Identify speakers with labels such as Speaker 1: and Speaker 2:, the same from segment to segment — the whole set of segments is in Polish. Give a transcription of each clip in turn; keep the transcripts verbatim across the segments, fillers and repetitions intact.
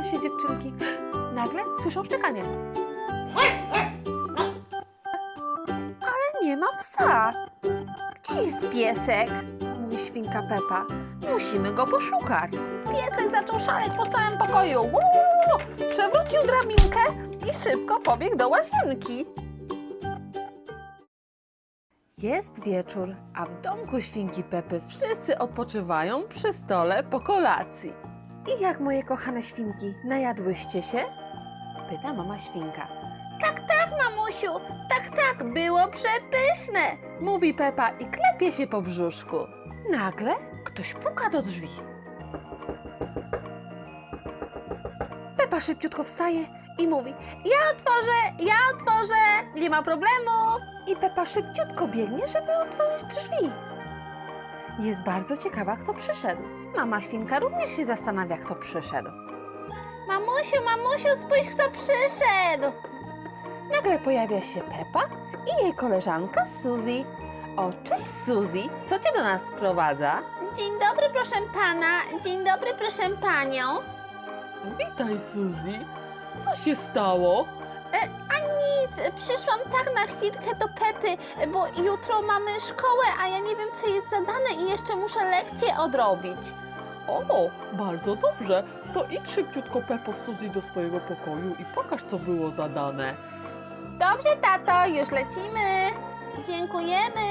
Speaker 1: Śmieją się dziewczynki. Nagle słyszą szczekanie. Ale nie ma psa. Gdzie jest piesek? Mówi świnka Pepa. Musimy go poszukać. Piesek zaczął szaleć po całym pokoju. Uuu! Przewrócił drabinkę i szybko pobiegł do łazienki. Jest wieczór, a w domku świnki Pepy wszyscy odpoczywają przy stole po kolacji. I jak moje kochane świnki, najadłyście się? Pyta mama świnka. Tak, tak, mamusiu, tak, tak, było przepyszne, mówi Pepa i klepie się po brzuszku. Nagle ktoś puka do drzwi. Pepa szybciutko wstaje i mówi: ja otworzę, ja otworzę, nie ma problemu. I Pepa szybciutko biegnie, żeby otworzyć drzwi. Jest bardzo ciekawa, kto przyszedł. Mama świnka również się zastanawia, kto przyszedł. Mamusiu, mamusiu, spójrz, kto przyszedł. Nagle pojawia się Pepa i jej koleżanka Suzy. O, cześć Suzy, co cię do nas sprowadza?
Speaker 2: Dzień dobry, proszę pana. Dzień dobry, proszę panią.
Speaker 1: Witaj Suzy, co się stało?
Speaker 2: E, a nic, przyszłam tak na chwilkę do Pepy, bo jutro mamy szkołę, a ja nie wiem, co jest zadane i jeszcze muszę lekcję odrobić.
Speaker 3: O, bardzo dobrze. To idź szybciutko, Pepo, z Suzy do swojego pokoju i pokaż, co było zadane.
Speaker 2: Dobrze, tato, już lecimy. Dziękujemy.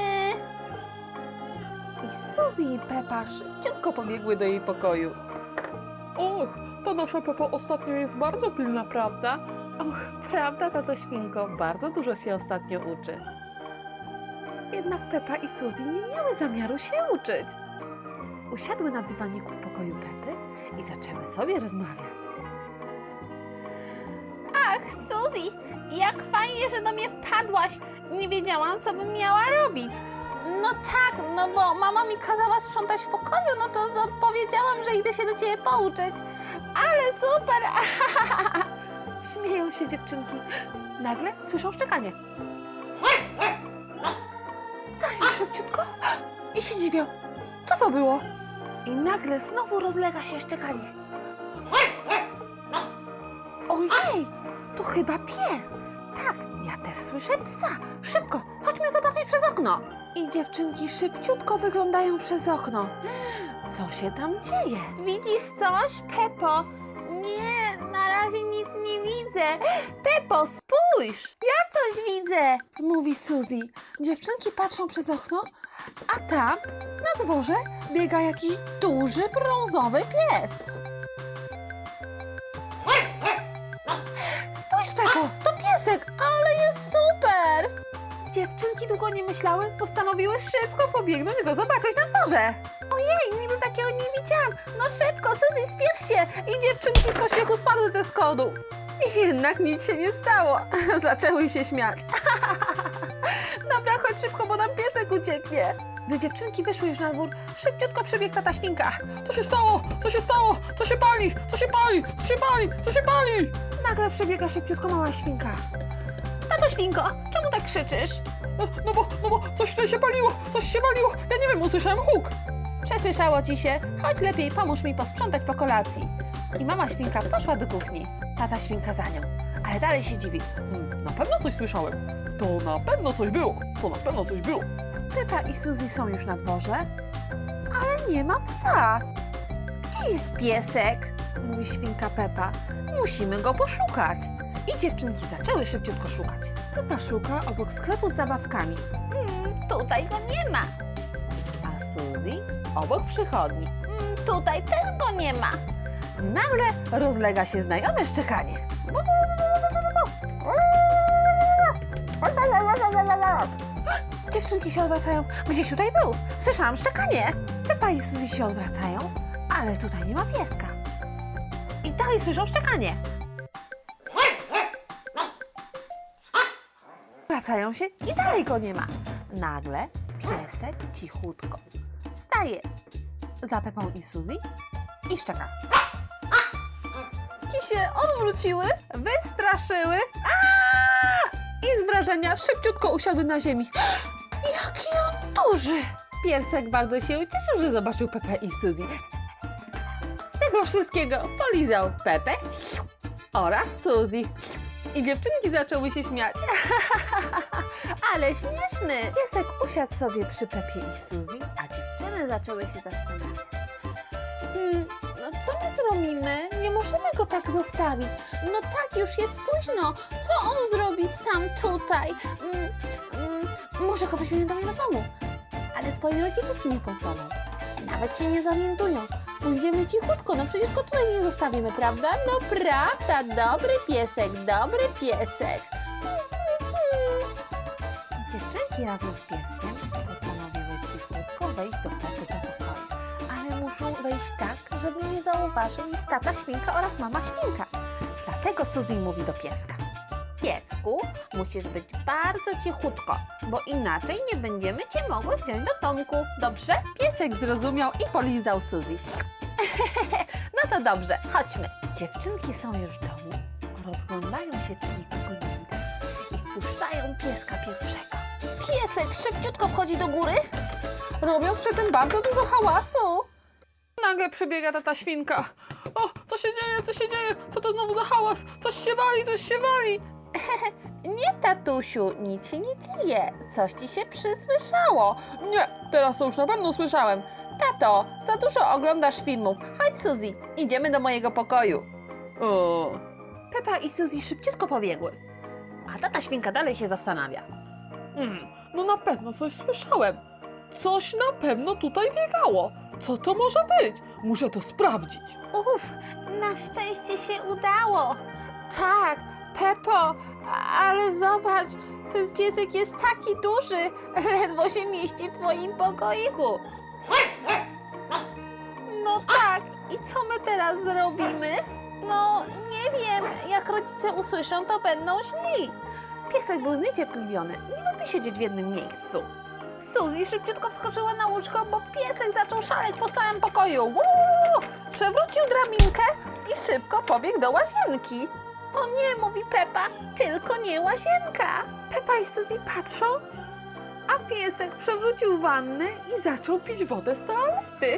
Speaker 1: I Suzy i Pepa szybciutko pobiegły do jej pokoju.
Speaker 3: Och, ta nasza Pepo ostatnio jest bardzo pilna, prawda?
Speaker 1: Och, prawda, tato świnko, bardzo dużo się ostatnio uczy. Jednak Pepa i Suzy nie miały zamiaru się uczyć. Usiadły na dywaniku w pokoju Pepy i zaczęły sobie rozmawiać.
Speaker 2: Ach, Suzy, jak fajnie, że do mnie wpadłaś. Nie wiedziałam, co bym miała robić. No tak, no bo mama mi kazała sprzątać w pokoju, no to powiedziałam, że idę się do ciebie pouczyć. Ale super!
Speaker 1: Śmieją się dziewczynki. Nagle słyszą szczekanie. Dają szybciutko i się dziwią. Co to było? I nagle znowu rozlega się szczekanie. Ojej, to chyba pies. Tak, ja też słyszę psa. Szybko, chodźmy zobaczyć przez okno. I dziewczynki szybciutko wyglądają przez okno. Co się tam dzieje?
Speaker 2: Widzisz coś, Pepo? Nie, na razie nic nie widzę. Pepo, spójrz! Ja coś widzę!
Speaker 1: Mówi Suzy. Dziewczynki patrzą przez okno, a tam na dworze biega jakiś duży brązowy pies. Spójrz, Pepo, to piesek, ale jest super! Dziewczynki długo nie myślały, postanowiły szybko pobiegnąć go zobaczyć na dworze.
Speaker 2: Ojej, nigdy takiego nie widziałam. No szybko, Suzy, spiesz się!
Speaker 1: I dziewczynki z pośpiechu spadły ze schodu. I jednak nic się nie stało. Zaczęły się śmiać. Dobra, chodź szybko, bo nam piesek ucieknie. Gdy dziewczynki wyszły już na dwór, szybciutko przebiegł tata świnka.
Speaker 3: Co się stało? Co się stało? Co się pali? Co się pali? Co się pali? Co się pali?
Speaker 1: Nagle przebiega szybciutko mała świnka. Tato świnko, czemu tak krzyczysz?
Speaker 3: No, no bo, no bo coś tutaj się paliło, coś się waliło. Ja nie wiem, usłyszałem huk.
Speaker 1: Przesłyszało ci się? Chodź lepiej, pomóż mi posprzątać po kolacji. I mama świnka poszła do kuchni. Tata świnka za nią, ale dalej się dziwi.
Speaker 3: Hmm, na pewno coś słyszałem. To na pewno coś było. To na pewno coś było.
Speaker 1: Pepa i Suzy są już na dworze, ale nie ma psa. Gdzie jest piesek? Mówi świnka Pepa. Musimy go poszukać. I dziewczynki zaczęły szybciutko szukać. Pepa szuka obok sklepu z zabawkami,
Speaker 2: Hmm, tutaj go nie ma.
Speaker 1: a Suzy obok przychodni.
Speaker 2: Hmm, tutaj też go nie ma.
Speaker 1: Nagle rozlega się znajome szczekanie. Dziewczynki się odwracają. Gdzieś tutaj był. Słyszałam szczekanie. Pepa i Suzy się odwracają, ale tutaj nie ma pieska. I dalej słyszą szczekanie. Wracają się i dalej go nie ma. Nagle piesek cichutko staje za Pepą i Suzy i szczeka. I się odwróciły, wystraszyły. Aaaa! I z wrażenia szybciutko usiadły na ziemi. Jaki on duży! Piesek bardzo się ucieszył, że zobaczył Pepę i Suzy. Z tego wszystkiego polizał Pepę oraz Suzy. I dziewczynki zaczęły się śmiać. Ale śmieszny! Piesek usiadł sobie przy Pepie i Suzy, a dziewczyny zaczęły się zastanawiać. Hmm, no co my zrobimy? Nie możemy go tak zostawić.
Speaker 2: No tak, już jest późno. Co on zrobi sam tutaj? Mm, mm, może go weźmiemy do mnie do domu. Ale twoi rodzice ci nie pozwolą. Nawet się nie zorientują. Pójdziemy cichutko, no przecież go tutaj nie zostawimy, prawda? No prawda, dobry piesek, dobry piesek.
Speaker 1: Dziewczynki razem z pieskiem postanowiły cichutko wejść do Pepy do pokoju. Ale muszą wejść tak, żeby nie zauważył ich tata świnka oraz mama świnka. Dlatego Suzy mówi do pieska. Piesku, musisz być bardzo cichutko, bo inaczej nie będziemy cię mogły wziąć do domku. Dobrze? Piesek zrozumiał i polizał Suzy. No to dobrze, chodźmy. Dziewczynki są już w domu, rozglądają się, czy nikogo nie widać i wpuszczają pieska pierwszego.
Speaker 2: Piesek szybciutko wchodzi do góry.
Speaker 1: Robiąc przy tym bardzo dużo hałasu.
Speaker 3: Nagle przybiega tata świnka. O, co się dzieje, co się dzieje? Co to znowu za hałas? Coś się wali, coś się wali.
Speaker 2: Nie, tatusiu, nic się nie dzieje. Coś ci się przysłyszało.
Speaker 3: Nie, teraz to już na pewno słyszałem.
Speaker 2: Tato, za dużo oglądasz filmów. Chodź, Suzy, idziemy do mojego pokoju.
Speaker 3: O,
Speaker 1: Pepa i Suzy szybciutko pobiegły, a tata świnka dalej się zastanawia.
Speaker 3: mm, no na pewno coś słyszałem. Coś na pewno tutaj biegało. Co to może być? Muszę to sprawdzić.
Speaker 2: Uff, na szczęście się udało. Tak, Pepo, ale zobacz, ten piesek jest taki duży, ledwo się mieści w twoim pokoiku.
Speaker 1: No tak, i co my teraz zrobimy?
Speaker 2: No, nie wiem, jak rodzice usłyszą, to będą źli.
Speaker 1: Piesek był zniecierpliwiony, nie lubi siedzieć w jednym miejscu.
Speaker 2: Suzy szybciutko wskoczyła na łóżko, bo piesek zaczął szaleć po całym pokoju. Uuu, przewrócił drabinkę i szybko pobiegł do łazienki. O nie, mówi Pepa, tylko nie łazienka.
Speaker 1: Pepa i Suzy patrzą, a piesek przewrócił wannę i zaczął pić wodę z toalety.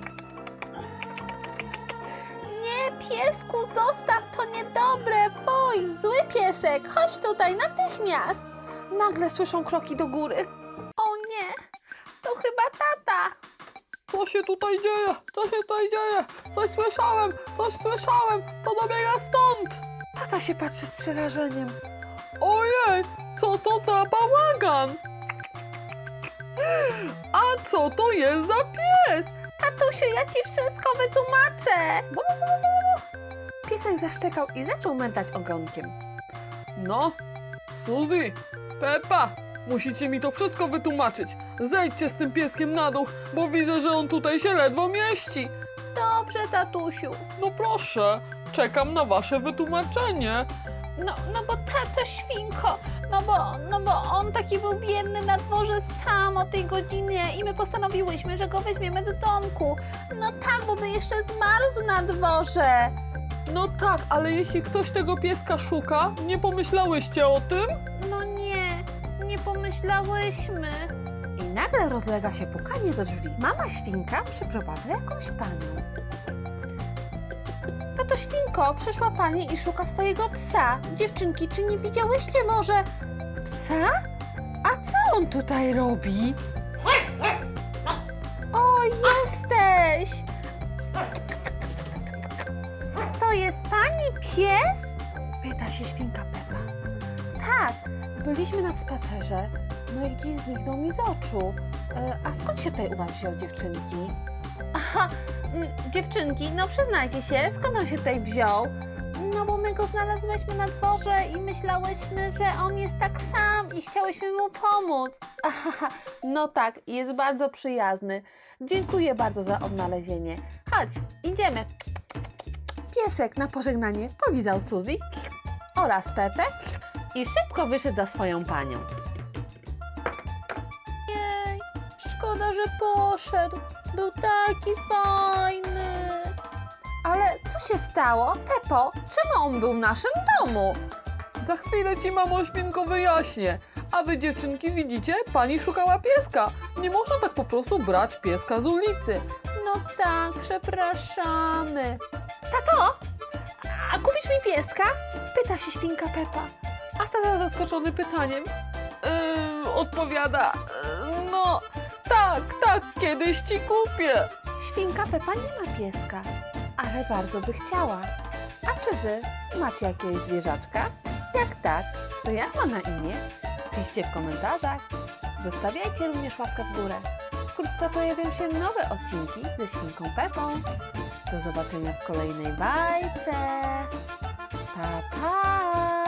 Speaker 2: Nie, piesku, zostaw, to niedobre, fuj, zły piesek, chodź tutaj natychmiast.
Speaker 1: Nagle słyszą kroki do góry.
Speaker 2: O nie, to chyba tata.
Speaker 3: Co się tutaj dzieje? Co się tutaj dzieje? Coś słyszałem, coś słyszałem. To dobiega stąd.
Speaker 1: Tata się patrzy z przerażeniem.
Speaker 3: Ojej, co to za bałagan? A co to jest za pies?
Speaker 2: Tatusiu, ja ci wszystko wytłumaczę.
Speaker 1: Piesek zaszczekał i zaczął mętać ogonkiem.
Speaker 3: No, Suzy, Pepa, musicie mi to wszystko wytłumaczyć. Zejdźcie z tym pieskiem na dół, bo widzę, że on tutaj się ledwo mieści.
Speaker 2: Dobrze, tatusiu.
Speaker 3: No proszę, czekam na wasze wytłumaczenie.
Speaker 2: No, no bo tato świnko, no bo, no bo on taki był biedny na dworze sam o tej godzinie i my postanowiłyśmy, że go weźmiemy do domku. No tak, bo by jeszcze zmarzł na dworze.
Speaker 3: No tak, ale jeśli ktoś tego pieska szuka, nie pomyślałyście o tym?
Speaker 2: No nie, nie pomyślałyśmy.
Speaker 1: I nagle rozlega się pukanie do drzwi. Mama świnka przyprowadza jakąś panią.
Speaker 2: Tato świnko, przyszła pani i szuka swojego psa. Dziewczynki, czy nie widziałyście może?
Speaker 1: Psa? A co on tutaj robi?
Speaker 2: O, jesteś! To jest pani pies?
Speaker 1: Pyta się świnka Pepa.
Speaker 2: Tak.
Speaker 1: Byliśmy na spacerze, no i gdzieś zniknął mi z oczu. E, a skąd się tutaj u was wziął, dziewczynki?
Speaker 2: Aha, mm, dziewczynki, no przyznajcie się, skąd on się tutaj wziął? No bo my go znalazłyśmy na dworze i myślałyśmy, że on jest tak sam i chciałyśmy mu pomóc.
Speaker 1: Aha, no tak, jest bardzo przyjazny. Dziękuję bardzo za odnalezienie. Chodź, idziemy. Piesek na pożegnanie polizał Suzy oraz Pepę i szybko wyszedł za swoją panią.
Speaker 2: Jej, szkoda, że poszedł. Był taki fajny.
Speaker 1: Ale co się stało? Pepo, czemu on był w naszym domu?
Speaker 3: Za chwilę ci, mamo świnko, wyjaśnię. A wy, dziewczynki, widzicie? Pani szukała pieska. Nie można tak po prostu brać pieska z ulicy.
Speaker 2: No tak, przepraszamy.
Speaker 1: Tato, a kupisz mi pieska? Pyta się świnka Pepa.
Speaker 3: A tata zaskoczony pytaniem yy, odpowiada, yy, no tak, tak, kiedyś ci kupię.
Speaker 1: Świnka Pepa nie ma pieska, ale bardzo by chciała. A czy wy macie jakiegoś zwierzaczka? Jak tak, to jak ma na imię? Piszcie w komentarzach. Zostawiajcie również łapkę w górę. Wkrótce pojawią się nowe odcinki ze świnką Pepą. Do zobaczenia w kolejnej bajce. Pa, pa!